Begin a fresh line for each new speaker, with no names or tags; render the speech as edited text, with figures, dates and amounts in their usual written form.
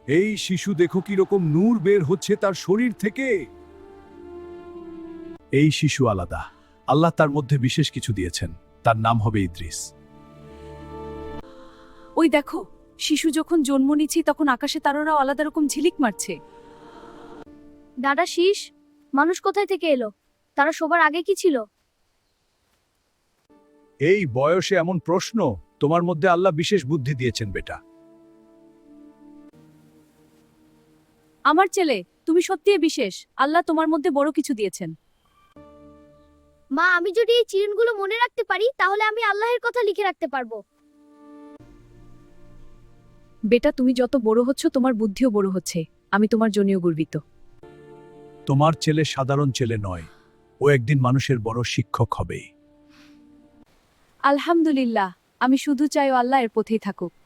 এই শিশু দেখো কিরকম নূর বের হচ্ছে তার শরীর থেকে। এই শিশু আলাদা, আল্লাহ তার মধ্যে বিশেষ কিছু দিয়েছেন, তার নাম হবে ইদ্রিস।
ওই দেখো, শিশু যখন জন্ম নিচ্ছে তখন আকাশে তারারাও আলাদা রকম ঝিলিক মারছে।
দাদা শীষ, মানুষ কোথায় থেকে এলো? তারা সবার আগে কি ছিল?
এই বয়সে এমন প্রশ্ন, তোমার মধ্যে আল্লাহ বিশেষ বুদ্ধি দিয়েছেন বেটা।
আমার ছেলে, তুমি সত্যিই বিশেষ, আল্লাহ তোমার মধ্যে বড় কিছু দিয়েছেন।
মা, আমি যদি এই চিরনগুলো মনে রাখতে পারি তাহলে আমি আল্লাহর কথা লিখে রাখতে পারবো।
বেটা, তুমি যত বড় হচ্ছ তোমার বুদ্ধিও বড় হচ্ছে, আমি তোমার জন্যও গর্বিত।
তোমার ছেলে সাধারণ ছেলে নয়, ও একদিন মানুষের বড় শিক্ষক হবে।
আলহামদুলিল্লাহ, আমি শুধু চাই ও আল্লাহ এর পথেই থাকুক।